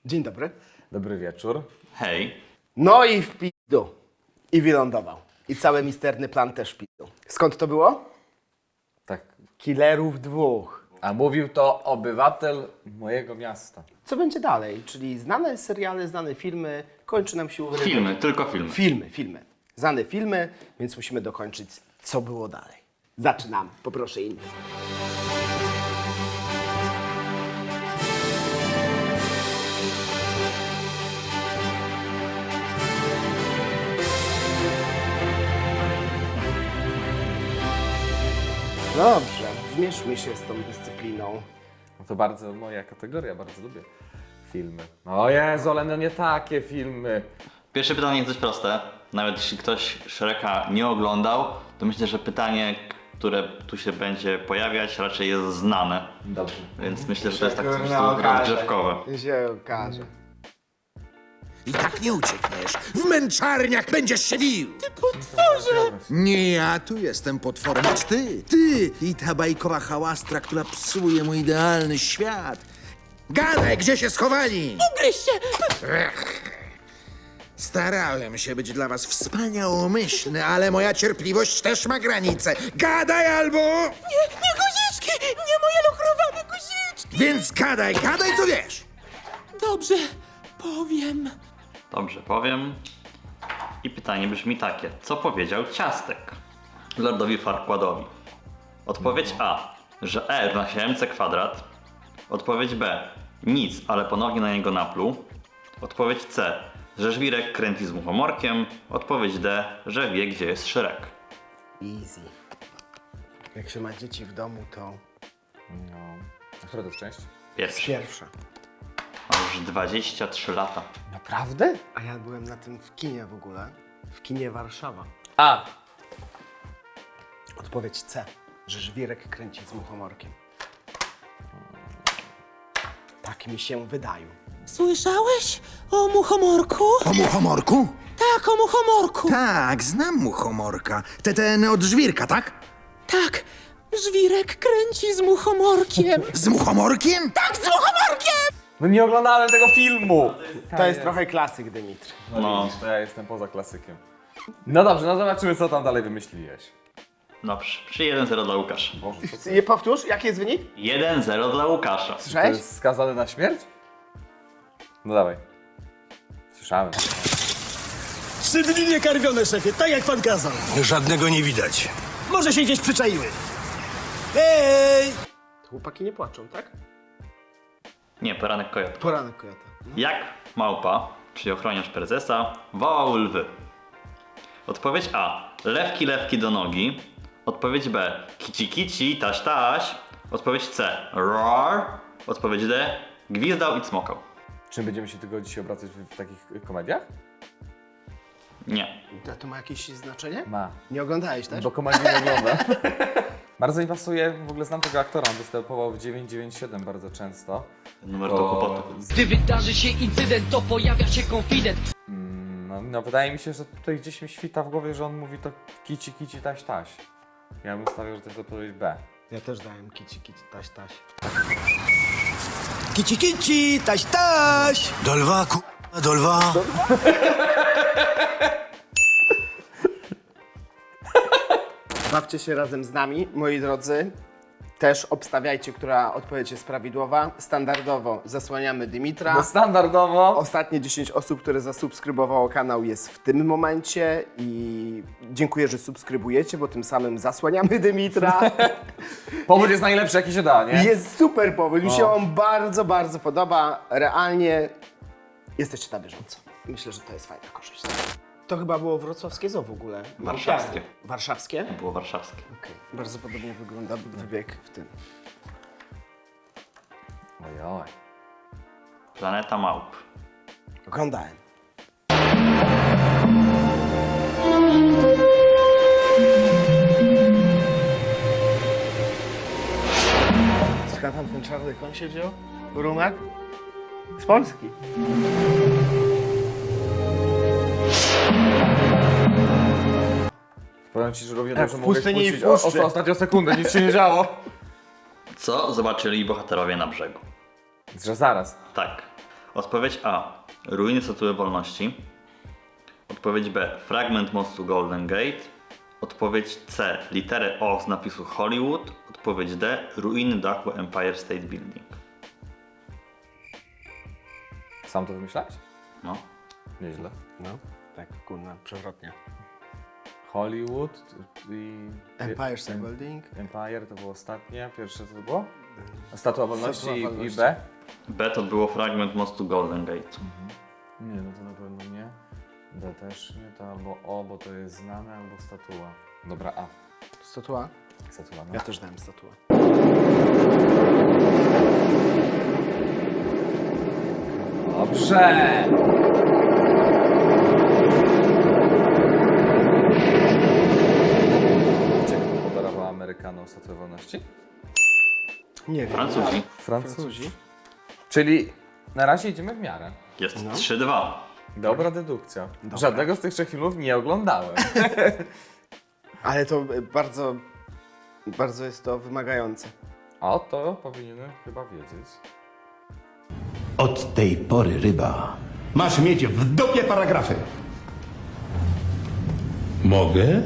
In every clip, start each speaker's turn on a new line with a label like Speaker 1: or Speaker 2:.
Speaker 1: Dzień dobry.
Speaker 2: Dobry wieczór.
Speaker 3: Hej.
Speaker 1: No i w pizdu. I wylądował. I cały misterny plan też w pizdu. Skąd to było?
Speaker 2: Tak.
Speaker 1: Killerów dwóch.
Speaker 2: A mówił to obywatel mojego miasta.
Speaker 1: Co będzie dalej? Czyli znane seriale, znane filmy. Kończy nam się urywek.
Speaker 3: Filmy, tylko filmy.
Speaker 1: Filmy. Znane filmy, więc musimy dokończyć, co było dalej. Zaczynamy. Poproszę innych. Dobrze, zmierzmy się z tą dyscypliną.
Speaker 2: No to bardzo moja kategoria, bardzo lubię filmy. O Jezu, ale no nie takie filmy.
Speaker 3: Pierwsze pytanie jest dość proste. Nawet jeśli ktoś Shreka nie oglądał, to myślę, że pytanie, które tu się będzie pojawiać, raczej jest znane.
Speaker 2: Dobrze.
Speaker 3: Więc myślę, że to jest tak po
Speaker 1: No,
Speaker 3: prostu rozgrzewkowe.
Speaker 1: Się okaże.
Speaker 4: I tak nie uciekniesz. W męczarniach będziesz się wił.
Speaker 2: Potworze!
Speaker 4: Nie ja tu jestem potworem, lecz ty. Ty i ta bajkowa hałastra, która psuje mój idealny świat. Gadaj, gdzie się schowali?
Speaker 5: Ugryź się!
Speaker 4: Starałem się być dla was wspaniałomyślny, ale moja cierpliwość też ma granice. Gadaj albo...
Speaker 5: Nie guziczki! Nie moje lukrowane guziczki!
Speaker 4: Więc gadaj co wiesz.
Speaker 5: Dobrze, powiem.
Speaker 3: Dobrze, powiem. I pytanie brzmi takie. Co powiedział Ciastek Lordowi Farquaadowi? Odpowiedź A, że E równa się mc kwadrat. Odpowiedź B, nic, ale ponownie na niego napluł. Odpowiedź C, że żwirek kręci z muchomorkiem. Odpowiedź D, że wie, gdzie jest Shrek.
Speaker 1: Easy. Jak się ma dzieci w domu, to
Speaker 2: No. A która to jest część?
Speaker 3: Pierwszy.
Speaker 1: pierwsza.
Speaker 3: Ma już 23 lata.
Speaker 2: Naprawdę?
Speaker 1: A ja byłem na tym w kinie w ogóle. W kinie Warszawa.
Speaker 2: A!
Speaker 1: Odpowiedź C, że żwirek kręci z muchomorkiem. Tak mi się wydaje.
Speaker 5: Słyszałeś o muchomorku?
Speaker 4: O muchomorku?
Speaker 5: Tak, o muchomorku.
Speaker 4: Tak, znam muchomorka. Ten od żwirka, tak?
Speaker 5: Tak, żwirek kręci z muchomorkiem.
Speaker 4: Z muchomorkiem?
Speaker 5: Tak, z muchomorkiem!
Speaker 2: No nie oglądałem tego filmu!
Speaker 1: To jest trochę klasyk, Dymitr.
Speaker 2: No widzisz, to ja jestem poza klasykiem. No dobrze, no zobaczymy co tam dalej wymyśliłeś.
Speaker 3: Dobrze, czy 1-0 dla Łukasza.
Speaker 2: Boże, co to
Speaker 1: Nie powtórz, jaki jest wynik?
Speaker 3: 1-0 dla Łukasza.
Speaker 2: To
Speaker 1: Słyszałeś?
Speaker 2: jest skazany na śmierć? No dawaj. Słyszałem.
Speaker 6: 3 dni niekarmione, szefie, tak jak pan kazał.
Speaker 7: Żadnego nie widać.
Speaker 6: Może się gdzieś przyczaiły. Hej!
Speaker 1: Chłopaki nie płaczą, tak?
Speaker 3: Nie, poranek kojota.
Speaker 1: Poranek kojota.
Speaker 3: Jak małpa, czyli ochroniarz prezesa, wołał lwy? Odpowiedź A. Lewki, lewki do nogi. Odpowiedź B. Kici, kici, taś, taś. Odpowiedź C. Roar. Odpowiedź D. Gwizdał i cmokał.
Speaker 2: Czy będziemy się tylko dzisiaj obracać w takich komediach?
Speaker 3: Nie.
Speaker 1: To ma jakieś znaczenie?
Speaker 2: Ma.
Speaker 1: Nie oglądałeś też?
Speaker 2: Bo komedii nie oglądam. Bardzo mi pasuje, w ogóle znam tego aktora, on występował w 997 bardzo często.
Speaker 3: Numer do kłopotu.
Speaker 8: Gdy wydarzy się incydent, to pojawia się konfident.
Speaker 2: No wydaje mi się, że tutaj gdzieś mi świta w głowie, że on mówi to kici, kici, taś, taś. Ja bym stawiał, że to jest odpowiedź B.
Speaker 1: Ja też dałem kici, kici, taś, taś.
Speaker 6: Kici, kici, taś, taś!
Speaker 7: Do lwa, do lwa.
Speaker 1: Bawcie się razem z nami, moi drodzy. Też obstawiajcie, która odpowiedź jest prawidłowa. Standardowo zasłaniamy Dymitra.
Speaker 2: No standardowo.
Speaker 1: Ostatnie 10 osób, które zasubskrybowało kanał jest w tym momencie i dziękuję, że subskrybujecie, bo tym samym zasłaniamy Dymitra.
Speaker 2: Powód jest najlepszy jaki się da, nie?
Speaker 1: Jest super powód, mi się on bardzo, bardzo podoba. Realnie jesteście na bieżąco. Myślę, że to jest fajna korzyść. To chyba było wrocławskie zoo w ogóle.
Speaker 3: Warszawskie.
Speaker 1: Warszawskie?
Speaker 3: Było warszawskie.
Speaker 1: Okej. Bardzo podobnie wygląda wybieg w tym.
Speaker 2: Ojoj.
Speaker 3: Planeta małp.
Speaker 1: Oglądałem. Skąd tam ten czarny koń się wziął? Rumek? Z Polski.
Speaker 2: Powiem ci, że równie
Speaker 1: Tak,
Speaker 2: dobrze
Speaker 1: w
Speaker 2: mogę
Speaker 1: pustyni i w
Speaker 2: puścić
Speaker 1: puszczy.
Speaker 2: ostatnią sekundę, nic się nie działo.
Speaker 3: Co zobaczyli bohaterowie na brzegu?
Speaker 2: Że zaraz.
Speaker 3: Tak. Odpowiedź A. Ruiny Statuły Wolności. Odpowiedź B. Fragment mostu Golden Gate. Odpowiedź C. Literę O z napisu Hollywood. Odpowiedź D. Ruiny dachu Empire State Building.
Speaker 2: Sam to wymyślałeś?
Speaker 3: No.
Speaker 2: Nieźle.
Speaker 1: No, tak, kurna, przewrotnie.
Speaker 2: Hollywood i...
Speaker 1: Empire State Building.
Speaker 2: Empire to było ostatnie. Pierwsze co to było? Statua Wolności
Speaker 1: Statua
Speaker 2: i
Speaker 1: Wolności.
Speaker 2: B?
Speaker 3: B to było fragment mostu Golden Gate.
Speaker 2: Nie, no to na pewno nie. D też nie, to albo O, bo to jest znane, albo statua. Dobra, A.
Speaker 1: Statua?
Speaker 2: Statua, no.
Speaker 1: Ja też dałem statuę.
Speaker 2: Dobrze! Wiecie, kto podarował Amerykanom Statuę Wolności?
Speaker 1: Nie wiem.
Speaker 3: Francuzi.
Speaker 2: Francuzi. Czyli na razie idziemy w miarę.
Speaker 3: Jest 3-2.
Speaker 2: Dobra dedukcja. Żadnego z tych trzech filmów nie oglądałem.
Speaker 1: Ale to bardzo, bardzo jest to wymagające.
Speaker 2: A to powinienem chyba wiedzieć.
Speaker 9: Od tej pory, ryba, masz mieć w dupie paragrafy. Mogę?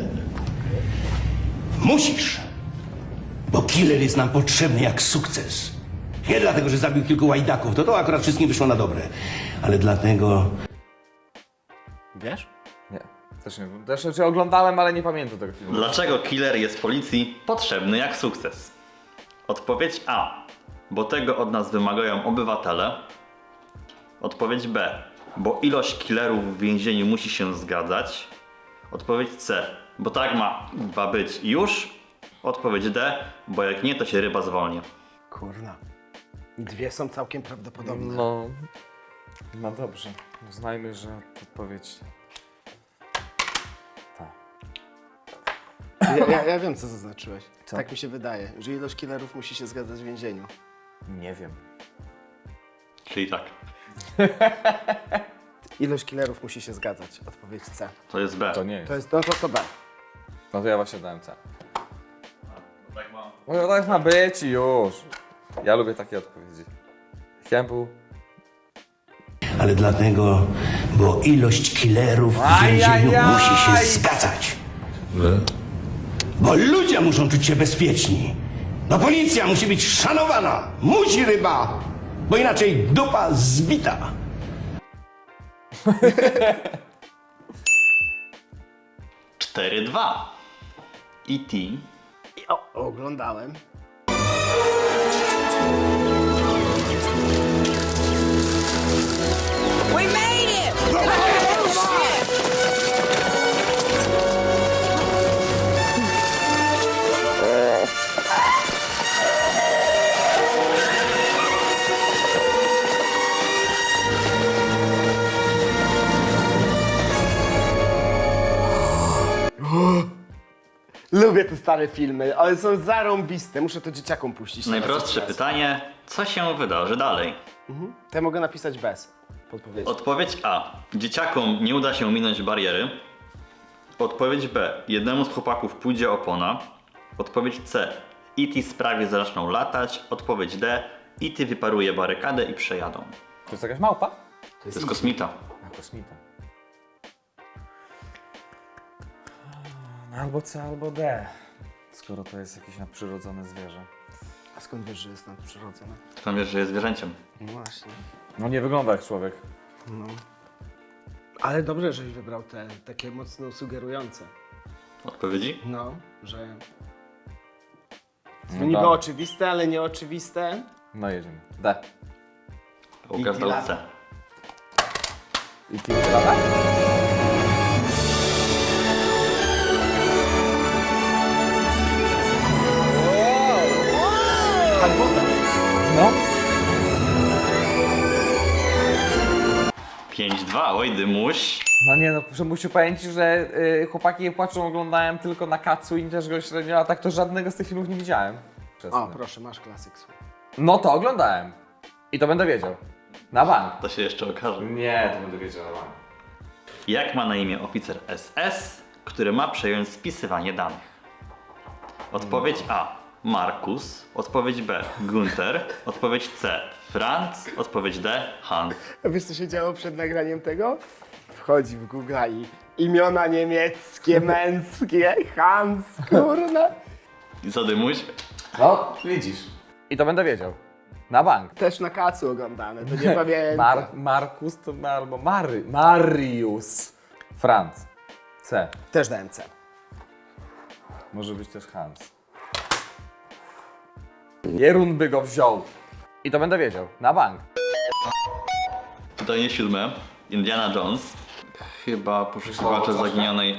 Speaker 9: Musisz. Bo killer jest nam potrzebny jak sukces. Nie dlatego, że zabił kilku łajdaków, to akurat wszystkim wyszło na dobre. Ale dlatego...
Speaker 1: Wiesz?
Speaker 2: Nie, też nie wiem. Też oglądałem, ale nie pamiętam tego filmu.
Speaker 3: Dlaczego killer jest policji potrzebny jak sukces? Odpowiedź A. Bo tego od nas wymagają obywatele. Odpowiedź B. Bo ilość killerów w więzieniu musi się zgadzać. Odpowiedź C. Bo tak ma być i już. Odpowiedź D. Bo jak nie, to się ryba zwolni.
Speaker 1: Kurna. Dwie są całkiem prawdopodobne.
Speaker 2: No, no dobrze. Uznajmy, że odpowiedź... Tak.
Speaker 1: Ja wiem, co zaznaczyłeś.
Speaker 2: Co?
Speaker 1: Tak mi się wydaje, że ilość killerów musi się zgadzać w więzieniu.
Speaker 2: Nie wiem.
Speaker 3: Czyli tak.
Speaker 1: Ilość killerów musi się zgadzać. Odpowiedź C.
Speaker 3: To jest B.
Speaker 2: To nie jest.
Speaker 1: To jest, no to B.
Speaker 2: No to ja właśnie dałem C. No tak ma być i już. Ja lubię takie odpowiedzi. Chciałem był...
Speaker 9: Ale dlatego, bo ilość killerów w więzieniu musi się zgadzać. Bo ludzie muszą czuć się bezpieczni. No policja musi być szanowana. Musi, ryba. Bo inaczej dupa zbita.
Speaker 3: Cztery, 2. E.T.
Speaker 1: Oglądałem.
Speaker 5: We made it!
Speaker 1: Lubię te stare filmy, ale są zarąbiste. Muszę to dzieciakom puścić.
Speaker 3: Najprostsze
Speaker 1: teraz.
Speaker 3: pytanie. Co się wydarzy dalej?
Speaker 1: To ja mogę napisać bez podpowiedzi.
Speaker 3: Odpowiedź A. Dzieciakom nie uda się minąć bariery. Odpowiedź B. Jednemu z chłopaków pójdzie opona. Odpowiedź C. E.T. sprawi, że zaczną latać. Odpowiedź D. E.T. wyparuje barykadę i przejadą.
Speaker 2: To jest jakaś małpa?
Speaker 3: To jest kosmita.
Speaker 2: A, kosmita. No albo C, albo D. Skoro to jest jakieś nadprzyrodzone zwierzę.
Speaker 1: A skąd wiesz, że jest nadprzyrodzone?
Speaker 3: Skąd wiesz, że jest zwierzęciem?
Speaker 1: No właśnie.
Speaker 2: No nie wygląda jak człowiek.
Speaker 1: Ale dobrze, żeś wybrał te takie mocno sugerujące.
Speaker 3: Odpowiedzi?
Speaker 1: No, że...
Speaker 2: No
Speaker 1: To niby
Speaker 2: tak.
Speaker 1: oczywiste, ale nieoczywiste.
Speaker 2: No jedziemy. D.
Speaker 3: Łukasz dał C.
Speaker 2: I ty lata? No.
Speaker 3: 5-2, oj dymuś.
Speaker 2: No nie no, muszę powiedzieć, że Chłopaki płaczą oglądałem tylko na Katsu i też go średnio, a tak to żadnego z tych filmów nie widziałem.
Speaker 1: O, proszę, masz klasyk słów.
Speaker 2: No to oglądałem. I to będę wiedział. Na bank.
Speaker 3: To się jeszcze okaże.
Speaker 2: Nie, to będę wiedział na bank.
Speaker 3: Jak ma na imię oficer SS, który ma przejąć spisywanie danych? Odpowiedź A. Markus, odpowiedź B Gunther, odpowiedź C Franz, odpowiedź D Hans.
Speaker 1: A wiesz, co się działo przed nagraniem tego? Wchodzi w Google i imiona niemieckie, męskie, Hans, kurna.
Speaker 3: I zadymuś?
Speaker 2: No, widzisz. I to będę wiedział. Na bank.
Speaker 1: Też na kacu oglądane, to nie pamiętam.
Speaker 2: Markus to albo Marius. Franz. C.
Speaker 1: Też dałem C.
Speaker 2: Może być też Hans. Jerun by go wziął. I to będę wiedział. Na bank.
Speaker 3: Pytanie 7. Indiana Jones. Chyba poszukiwacze zaginionej...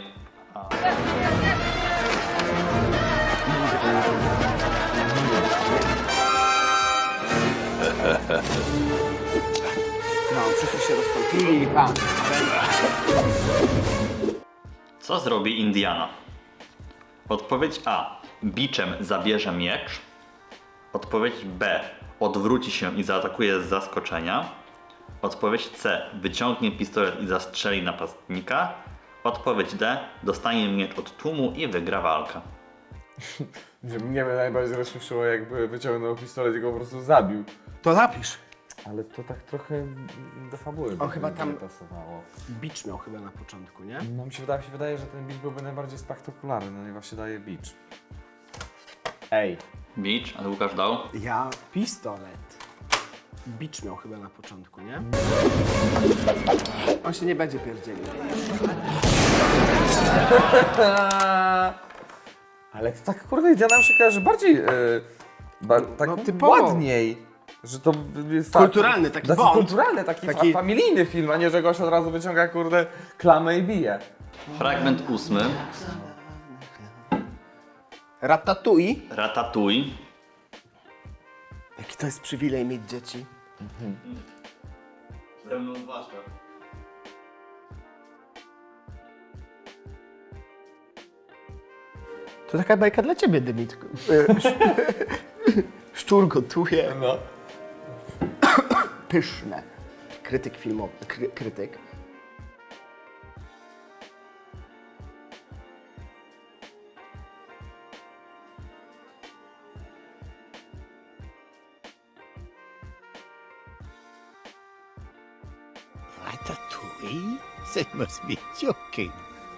Speaker 1: No, wszyscy się rozstąpili i pan.
Speaker 3: Co zrobi Indiana? Odpowiedź A. Biczem zabierze miecz. Odpowiedź B. Odwróci się i zaatakuje z zaskoczenia. Odpowiedź C. Wyciągnie pistolet i zastrzeli napastnika. Odpowiedź D. Dostanie miecz od tłumu i wygra walkę.
Speaker 2: Mnie najbardziej rozśmieszyło, jakby wyciągnął pistolet i go po prostu zabił.
Speaker 1: To napisz.
Speaker 2: Ale to tak trochę do fabuły
Speaker 1: On chyba tam-
Speaker 2: nie pasowało.
Speaker 1: Bicz miał chyba na początku, nie?
Speaker 2: No mi się wydaje, że ten beach byłby najbardziej spektakularny, no i właśnie daje beach. Ej.
Speaker 3: Beach, ale Łukasz dał.
Speaker 1: Ja pistolet. Bicz miał chyba na początku, nie? On się nie będzie pierdzielił.
Speaker 2: Ale to tak kurde Indiana nam się kojarzy bardziej tak
Speaker 1: No, typowo.
Speaker 2: ładniej. Że to jest
Speaker 1: Kulturalny taki Bond.
Speaker 2: kulturalny, taki familijny film, a nie, że gość od razu wyciąga kurde klamę i bije.
Speaker 3: Fragment 8.
Speaker 1: Ratatouille.
Speaker 3: Ratatouille.
Speaker 1: Jaki to jest przywilej mieć dzieci.
Speaker 3: Ze mną zwłaszcza.
Speaker 1: To taka bajka dla ciebie, Dymitku. Szczur gotuje.
Speaker 2: No.
Speaker 1: Pyszne. Krytyk filmowy. Krytyk.
Speaker 6: Ratatouille? They must be joking.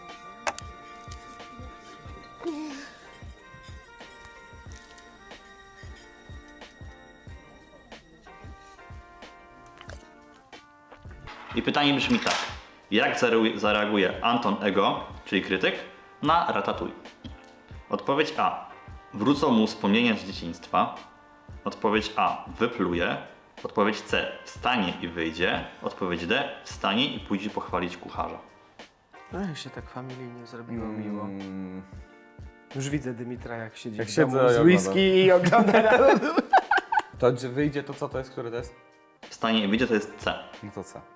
Speaker 3: I pytanie brzmi tak. Jak zareaguje Anton Ego, czyli krytyk, na Ratatouille? Odpowiedź A. Wrócą mu wspomnienia z dzieciństwa. Odpowiedź A. Wypluje. Odpowiedź C. Wstanie i wyjdzie. Odpowiedź D. Wstanie i pójdzie pochwalić kucharza.
Speaker 1: No się tak familijnie zrobiło miło. Już widzę Dymitra, jak siedzi
Speaker 2: Jak
Speaker 1: w domu
Speaker 2: siedzę i
Speaker 1: z whisky i ogląda Ratatouille.
Speaker 2: To gdzie wyjdzie, to co to jest, który to jest?
Speaker 3: Wstanie i wyjdzie to jest C.
Speaker 2: No to co?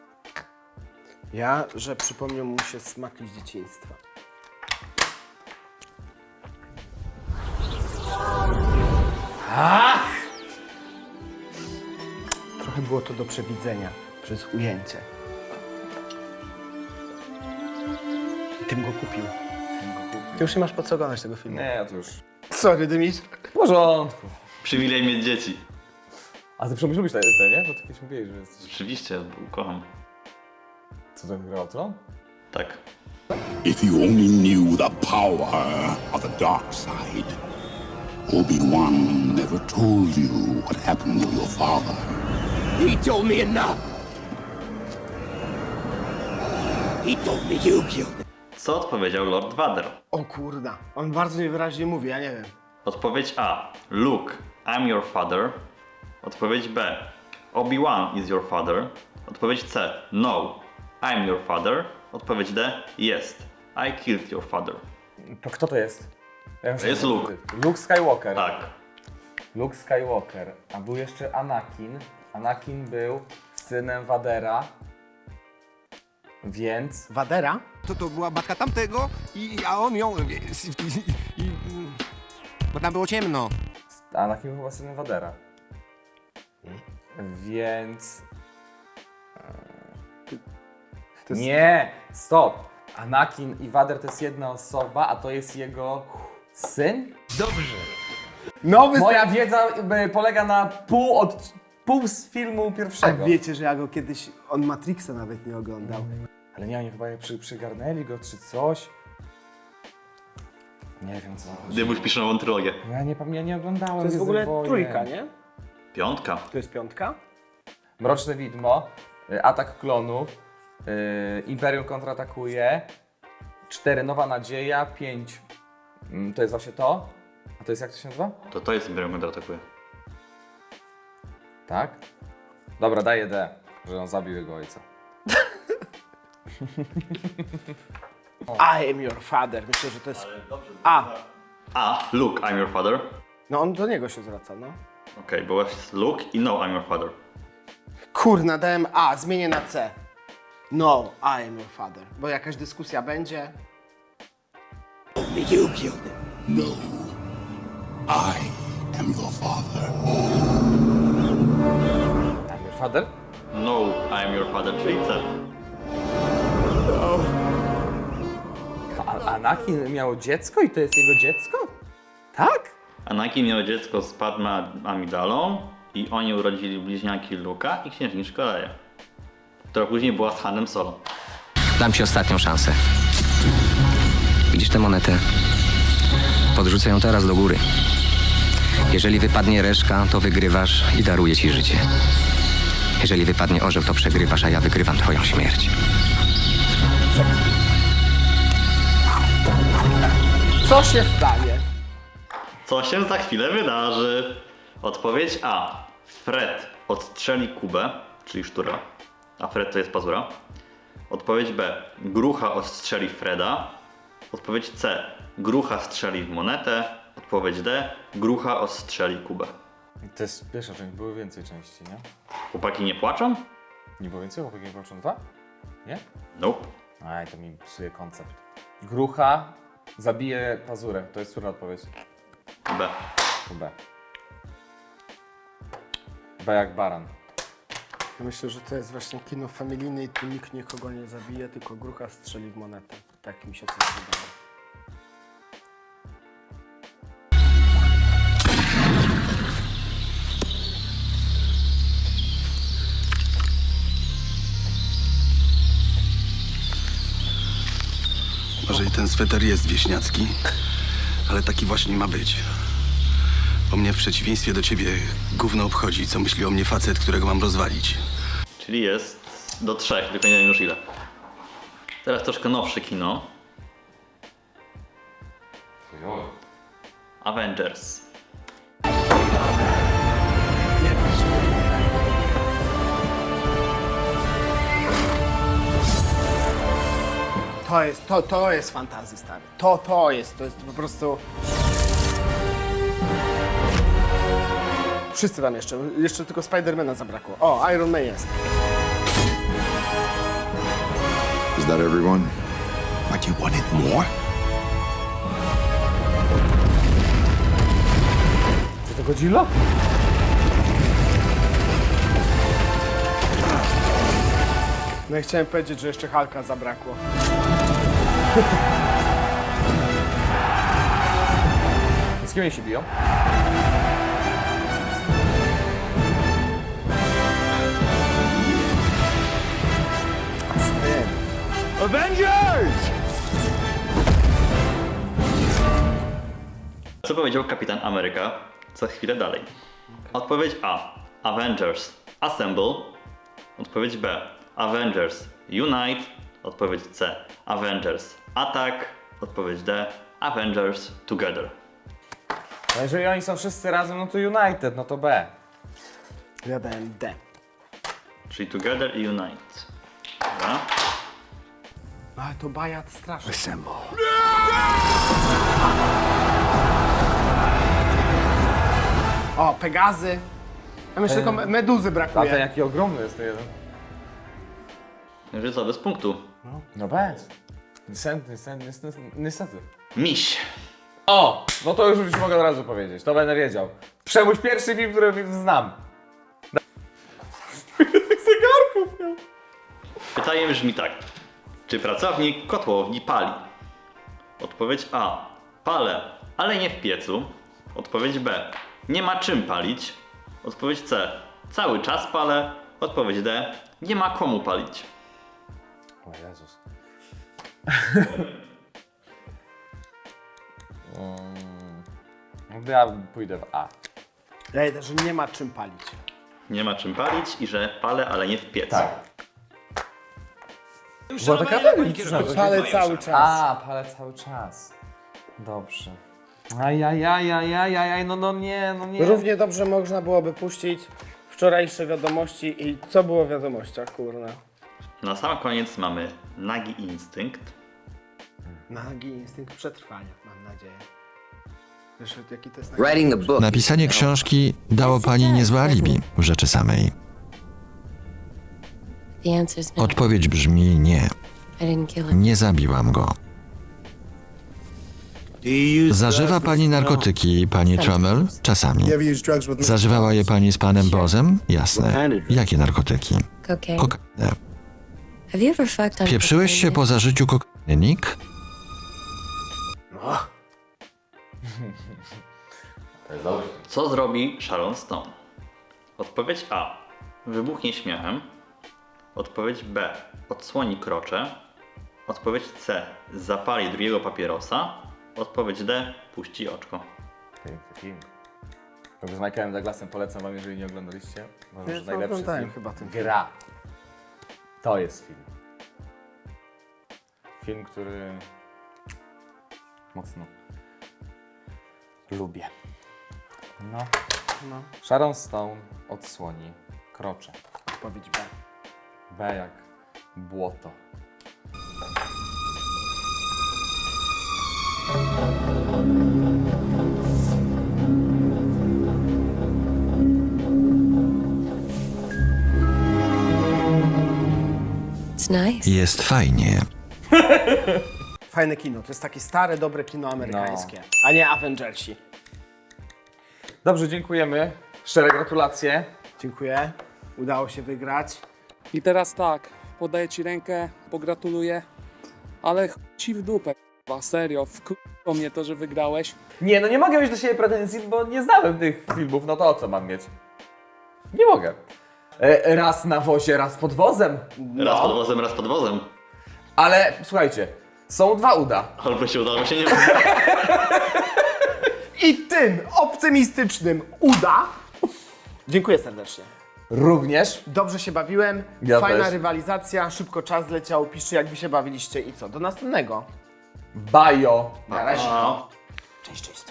Speaker 1: Ja, że przypomniał mu się smaki z dzieciństwa. Trochę było to do przewidzenia przez ujęcie. I tym go kupił. Ty już nie masz po co oglądać tego filmu.
Speaker 2: Nie, to już.
Speaker 1: Sorry, Dymit.
Speaker 2: W porządku.
Speaker 3: Przywilej mieć dzieci.
Speaker 2: A ty przemyślisz te, nie? Bo ty kiedyś mówiłeś, że jesteś...
Speaker 3: Oczywiście, kocham.
Speaker 2: Co to grał, co?
Speaker 3: Tak.
Speaker 10: If you only knew the power of the dark side, Obi-Wan never told you what happened to your father.
Speaker 6: He told me enough. He told me you killed him.
Speaker 3: Co odpowiedział Lord Vader?
Speaker 1: O kurda, on bardzo niewyraźnie mówi, ja nie wiem.
Speaker 3: Odpowiedź A. Luke, I'm your father. Odpowiedź B. Obi-Wan is your father. Odpowiedź C. No, I'm your father. Odpowiedź D. Yes, I killed your father.
Speaker 2: To kto to jest? Ja
Speaker 3: To jest Luke.
Speaker 2: Luke Skywalker.
Speaker 3: Tak.
Speaker 2: Luke Skywalker. A był jeszcze Anakin. Anakin był synem Vadera. Więc...
Speaker 1: Vadera?
Speaker 6: To była matka tamtego, a on ją... Bo tam było ciemno.
Speaker 2: Anakin był chyba synem Vadera. Więc... Nie! Stop! Anakin i Vader to jest jedna osoba, a to jest jego syn?
Speaker 6: Dobrze.
Speaker 1: Nowy
Speaker 2: Moja wiedza polega na pół z filmu
Speaker 1: A
Speaker 2: pierwszego.
Speaker 1: wiecie, że ja go kiedyś, on Matrixa nawet nie oglądał.
Speaker 2: Ale nie, oni chyba przygarnęli go czy coś. Nie wiem co.
Speaker 3: Dymuś pisze nową trylogię.
Speaker 2: Ja nie oglądałem.
Speaker 1: To jest w ogóle
Speaker 2: Gwiezdnych
Speaker 1: trójka,
Speaker 2: Wojen.
Speaker 1: nie?
Speaker 3: Piątka.
Speaker 1: To jest piątka?
Speaker 2: Mroczne Widmo, Atak Klonów, Imperium kontratakuje, 4 Nowa Nadzieja, 5 to jest właśnie to. A to jest jak to się nazywa?
Speaker 3: To jest Imperium kontratakuje.
Speaker 2: Tak? Dobra, daję D, że on zabił jego ojca.
Speaker 1: I am your father. Myślę, że to jest... A.
Speaker 3: A. Luke, I'm your father.
Speaker 1: No on do niego się zwraca, no.
Speaker 3: Okej, bo jest Luke i No, I'm your father.
Speaker 1: Kurna, dałem A, zmienię na C. No, I am your father. Bo jakaś dyskusja będzie.
Speaker 10: No. I am your father.
Speaker 2: I'm your father?
Speaker 3: No, I'm your father, czyli C.
Speaker 2: A Anakin miał dziecko i to jest jego dziecko? Tak?
Speaker 3: Anakin miał dziecko z Padmé Amidalą i oni urodzili bliźniaki Luka i księżniczkę Leję, która później była z Hanem Solo.
Speaker 11: Dam ci ostatnią szansę. Widzisz tę monetę? Podrzucę ją teraz do góry. Jeżeli wypadnie reszka, to wygrywasz i daruję ci życie. Jeżeli wypadnie orzeł, to przegrywasz, a ja wygrywam twoją śmierć.
Speaker 1: Co się stanie?
Speaker 3: Co się za chwilę wydarzy? Odpowiedź A. Fred odstrzeli Kubę, czyli sztura, a Fred to jest pazura. Odpowiedź B. Grucha ostrzeli Freda. Odpowiedź C. Grucha strzeli w monetę. Odpowiedź D. Grucha ostrzeli Kubę.
Speaker 2: To jest pierwsza część, były więcej części, nie?
Speaker 3: Chłopaki nie płaczą?
Speaker 2: Nie było więcej? Chłopaki nie płaczą 2? Nie?
Speaker 3: Nope.
Speaker 2: Aj, to mi psuje koncept. Grucha zabije pazurę, to jest która odpowiedź?
Speaker 3: B.
Speaker 2: To B. B jak baran.
Speaker 1: Ja myślę, że to jest właśnie kino familijne i tu nikt nikogo nie zabije, tylko grucha strzeli w monetę. Tak mi się coś wydaje.
Speaker 7: Może i ten sweter jest wieśniacki, ale taki właśnie ma być. Bo mnie w przeciwieństwie do ciebie gówno obchodzi, co myśli o mnie facet, którego mam rozwalić.
Speaker 3: Czyli jest do 3, tylko nie wiem już ile. Teraz troszkę nowsze kino. Avengers.
Speaker 1: To jest fantazji, stary. To jest po prostu... Wszyscy tam jeszcze tylko Spidermana zabrakło. O, Iron Man jest.
Speaker 10: Is that everyone? But you wanted more?
Speaker 2: Czy to Godzilla?
Speaker 1: No i chciałem powiedzieć, że jeszcze Hulka zabrakło.
Speaker 2: Z kim oni się biją?
Speaker 3: Co powiedział Kapitan Ameryka za chwilę dalej? Odpowiedź A. Avengers Assemble. Odpowiedź B. Avengers Unite. Odpowiedź C. Avengers Attack. Odpowiedź D. Avengers Together.
Speaker 2: No jeżeli oni są wszyscy razem, no to United, no to B.
Speaker 1: Ja dałem D.
Speaker 3: Czyli Together i Unite. Dobra.
Speaker 1: Ale to bajat straszny. O, Pegazy. A myślę, tylko Meduzy
Speaker 2: A ten
Speaker 1: brakuje.
Speaker 2: jaki ogromny jest ten jeden.
Speaker 3: Że co, bez punktu.
Speaker 2: No bez. Niestety.
Speaker 3: Miś.
Speaker 2: O! No to już mogę od razu powiedzieć, to będę wiedział. Przemuś pierwszy film, który znam. Tych zegarków miał.
Speaker 3: Pytanie brzmi tak. Czy pracownik kotłowni pali? Odpowiedź A. Palę, ale nie w piecu. Odpowiedź B. Nie ma czym palić. Odpowiedź C. Cały czas palę. Odpowiedź D. Nie ma komu palić.
Speaker 2: O Jezus. Ja pójdę w A.
Speaker 1: Ja idę, że nie ma czym palić.
Speaker 3: Nie ma czym palić i że palę, ale nie w piecu.
Speaker 2: Tak. Była taka logiczna.
Speaker 1: Palę cały czas.
Speaker 2: A, palę cały czas. Dobrze. Ajajajajajajaj, no nie.
Speaker 1: Równie dobrze można byłoby puścić wczorajsze wiadomości i co było w wiadomościach, kurna.
Speaker 3: Na sam koniec mamy nagi instynkt.
Speaker 1: Nagi instynkt przetrwania, mam nadzieję. Wiesz, jaki to jest
Speaker 12: Napisanie książki dało pani niezłe alibi w rzeczy samej. Odpowiedź brzmi nie. Nie zabiłam go. Zażywa pani narkotyki, pani Trommel? Czasami. Zażywała je pani z panem Bozem? Jasne. Jakie narkotyki? Kokainę. Pieprzyłeś się po zażyciu kokainy, Nick?
Speaker 3: Co zrobi Sharon Stone? Odpowiedź A. Wybuchnie śmiechem. Odpowiedź B. Odsłoni krocze. Odpowiedź C. Zapali drugiego papierosa. Odpowiedź D. Puści oczko.
Speaker 2: Film. Z Michaelem Douglasem polecam wam, jeżeli nie oglądaliście. Może
Speaker 1: Ja
Speaker 2: że najlepszy
Speaker 1: oglądałem
Speaker 2: film.
Speaker 1: chyba ten
Speaker 2: Gra. To jest film. Film, który mocno lubię. No. Sharon Stone odsłoni krocze.
Speaker 1: Odpowiedź B.
Speaker 2: B jak błoto.
Speaker 12: Jest fajnie.
Speaker 1: Fajne kino, to jest takie stare, dobre kino amerykańskie, a nie Avengersi.
Speaker 2: Dobrze, dziękujemy. Szczere gratulacje.
Speaker 1: Dziękuję, udało się wygrać.
Speaker 13: I teraz tak, podaję ci rękę, pogratuluję, ale ci w dupę, k***a, serio, wkurzyło mnie to, że wygrałeś.
Speaker 2: Nie, no nie mogę mieć do siebie pretensji, bo nie znałem tych filmów, no to o co mam mieć? Nie mogę. Raz na wozie, raz pod wozem.
Speaker 3: Raz pod wozem, raz pod wozem.
Speaker 2: Ale słuchajcie, są dwa uda.
Speaker 3: Albo się udało, się nie uda.
Speaker 1: I tym optymistycznym uda. Dziękuję serdecznie.
Speaker 2: Również.
Speaker 1: Dobrze się bawiłem,
Speaker 2: Ja
Speaker 1: fajna
Speaker 2: też.
Speaker 1: rywalizacja, szybko czas leciał, piszcie jak wy się bawiliście i co, do następnego.
Speaker 2: Bajo.
Speaker 1: Na razie. Cześć, cześć.